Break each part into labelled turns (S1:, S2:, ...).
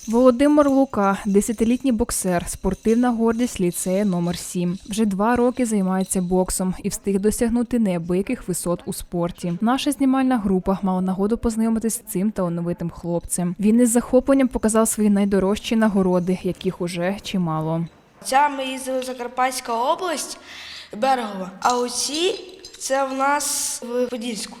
S1: Володимир Лука – 10-літній боксер, спортивна гордість ліцею номер 7. Вже 2 роки займається боксом і встиг досягнути неабияких висот у спорті. Наша знімальна група мала нагоду познайомитись з цим талановитим хлопцем. Він із захопленням показав свої найдорожчі нагороди, яких уже чимало.
S2: Ця ми їздили в Закарпатська область, Берегова, а оці – це в нас в Подільську.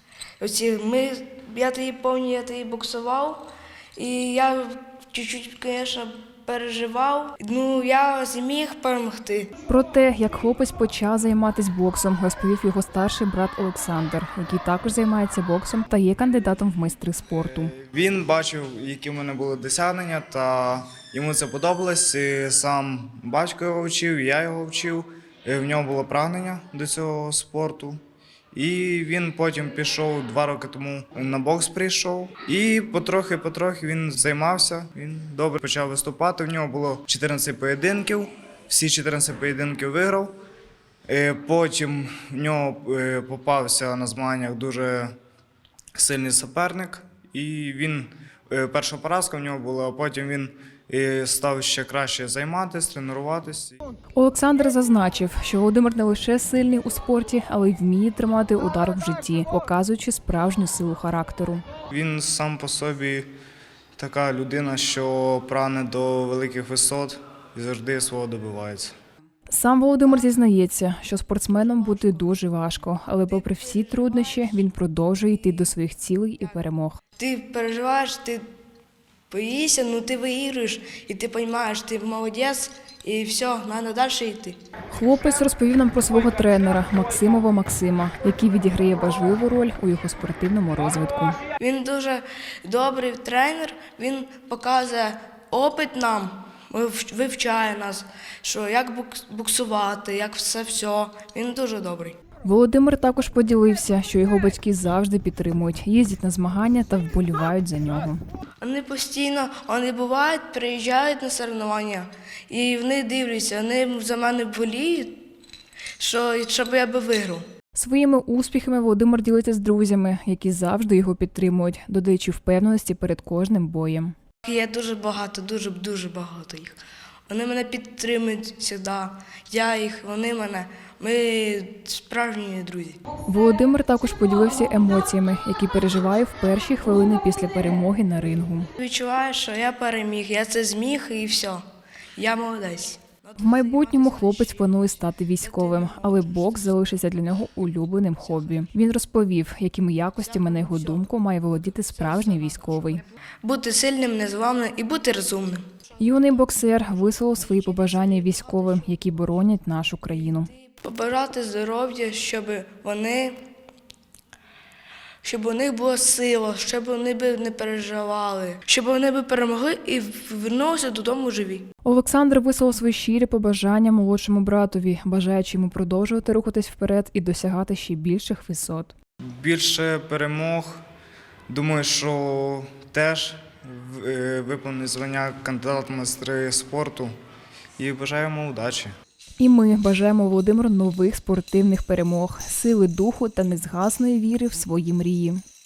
S2: Я тоді боксував, і я чуть-чуть, звісно, переживав. Я зміг перемогти.
S1: Про те, як хлопець почав займатися боксом, розповів його старший брат Олександр, який також займається боксом та є кандидатом в майстри спорту.
S3: Він бачив, які в мене були досягнення, та йому це подобалось. І сам батько його вчив, я його вчив. І в нього було прагнення до цього спорту. І він потім пішов 2 роки тому на бокс прийшов. І потрохи він займався, він добре почав виступати. В нього було 14 поєдинків, всі 14 поєдинків виграв. Потім в нього попався на змаганнях дуже сильний суперник. І він, перша поразка в нього була, а потім він став ще краще займатися, тренуватися.
S1: Олександр зазначив, що Володимир не лише сильний у спорті, але й вміє тримати удар в житті, показуючи справжню силу характеру.
S3: Він сам по собі така людина, що прагне до великих висот і завжди свого добивається.
S1: Сам Володимир зізнається, що спортсменом бути дуже важко, але попри всі труднощі, він продовжує йти до своїх цілей і перемог.
S2: Ти переживаєш, ти боїшся, ти виігруєш, і ти розумієш, ти молодець, і все, треба далі йти.
S1: Хлопець розповів нам про свого тренера Максимова Максима, який відіграє важливу роль у його спортивному розвитку.
S2: Він дуже добрий тренер, він показує опит нам, вивчає нас, що як боксувати, як все. Він дуже добрий.
S1: Володимир також поділився, що його батьки завжди підтримують, їздять на змагання та вболівають за нього.
S2: Вони постійно, бувають, приїжджають на соревнування, і вони дивляться, вони за мене боліють, щоб я би виграв.
S1: Своїми успіхами Володимир ділиться з друзями, які завжди його підтримують, додаючи впевненості перед кожним боєм.
S2: Є дуже багато, дуже багато їх. Вони мене підтримують завжди, я їх, вони мене. Ми справжні друзі.
S1: Володимир також поділився емоціями, які переживає в перші хвилини після перемоги на рингу.
S2: Відчуваю, що я переміг, я це зміг і все. Я молодець.
S1: В майбутньому хлопець планує стати військовим, але бокс залишиться для нього улюбленим хобі. Він розповів, якими якостями, на його думку, має володіти справжній військовий.
S2: Бути сильним, незламним і бути розумним. Юний
S1: боксер висловив свої побажання військовим, які боронять нашу країну.
S2: Побажати здоров'я, щоб у них була сила, щоб вони не переживали, щоб вони перемогли і повернулися додому живі.
S1: Олександр висловив свої щирі побажання молодшому братові, бажаючи йому продовжувати рухатись вперед і досягати ще більших висот.
S3: Більше перемог, думаю, що теж виповнить звання кандидата в майстри спорту і бажаємо удачі.
S1: І ми бажаємо Володимиру нових спортивних перемог, сили духу та незгасної віри в свої мрії.